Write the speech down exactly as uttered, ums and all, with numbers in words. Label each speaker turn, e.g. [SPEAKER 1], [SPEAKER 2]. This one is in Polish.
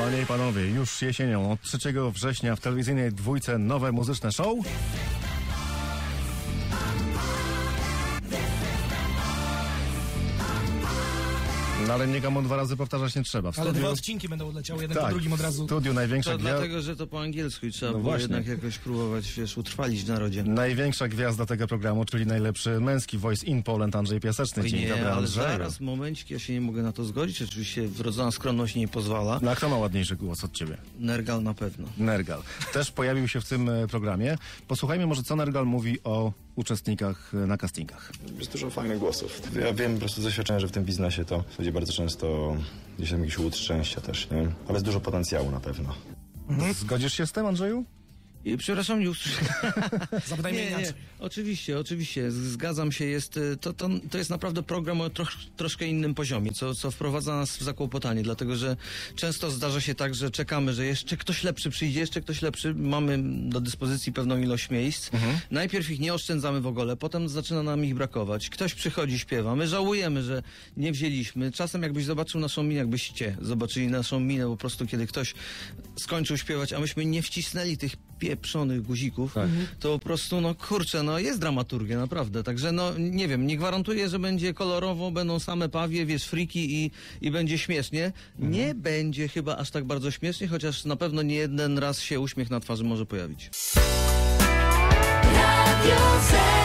[SPEAKER 1] Panie i panowie, już jesienią od trzeciego września w telewizyjnej dwójce nowe muzyczne show. No ale nikomu dwa razy powtarzać nie trzeba. W
[SPEAKER 2] Ale
[SPEAKER 1] studiu...
[SPEAKER 2] dwa odcinki będą leciały, jeden
[SPEAKER 1] tak,
[SPEAKER 2] po drugim od razu.
[SPEAKER 1] W studiu największa
[SPEAKER 3] To
[SPEAKER 1] gwiazda...
[SPEAKER 3] dlatego, że to po angielsku i trzeba
[SPEAKER 1] No
[SPEAKER 3] było
[SPEAKER 1] właśnie.
[SPEAKER 3] jednak jakoś próbować, wiesz, utrwalić w narodzie.
[SPEAKER 1] Największa gwiazda tego programu, czyli najlepszy męski voice in Poland Andrzej Piaseczny.
[SPEAKER 3] Oj,
[SPEAKER 1] Dzień
[SPEAKER 3] nie,
[SPEAKER 1] dobry,
[SPEAKER 3] ale
[SPEAKER 1] Andrzeju.
[SPEAKER 3] zaraz, momencik, ja się nie mogę na to zgodzić. Oczywiście wrodzona skromność nie pozwala.
[SPEAKER 1] No a kto ma ładniejszy głos od ciebie?
[SPEAKER 3] Nergal na pewno.
[SPEAKER 1] Nergal. Też pojawił się w tym e, programie. Posłuchajmy może, co Nergal mówi o uczestnikach e, na castingach.
[SPEAKER 4] Jest dużo fajnych głosów. Ja wiem po prostu z doświadczenia, że w tym biznesie to ludzie bardzo często gdzieś tam jakiś łód szczęścia też, nie? Ale jest dużo potencjału na pewno.
[SPEAKER 1] Mhm. Zgodzisz się z tym, Andrzeju?
[SPEAKER 3] I, przepraszam, nie usłyszałem.
[SPEAKER 2] Zapytajmy
[SPEAKER 3] Nie, nie,
[SPEAKER 2] inaczej.
[SPEAKER 3] oczywiście, oczywiście, z- zgadzam się, jest, y, to, to, to jest naprawdę program o trosz, troszkę innym poziomie, co, co wprowadza nas w zakłopotanie, dlatego że często zdarza się tak, że czekamy, że jeszcze ktoś lepszy przyjdzie, jeszcze ktoś lepszy, mamy do dyspozycji pewną ilość miejsc,
[SPEAKER 1] Mhm.
[SPEAKER 3] najpierw ich nie oszczędzamy w ogóle, potem zaczyna nam ich brakować, ktoś przychodzi, śpiewa, my żałujemy, że nie wzięliśmy, czasem jakbyś zobaczył naszą minę, jakbyście zobaczyli naszą minę po prostu, kiedy ktoś skończył śpiewać, a myśmy nie wcisnęli tych pieprzonych guzików,
[SPEAKER 1] Tak.
[SPEAKER 3] to po prostu, no kurczę, no jest dramaturgia, naprawdę. Także, no nie wiem, nie gwarantuję, że będzie kolorowo, będą same pawie, wiesz, friki i, i będzie śmiesznie. Nie będzie chyba aż tak bardzo śmiesznie, chociaż na pewno nie jeden raz się uśmiech na twarzy może pojawić.
[SPEAKER 5] Radio Z.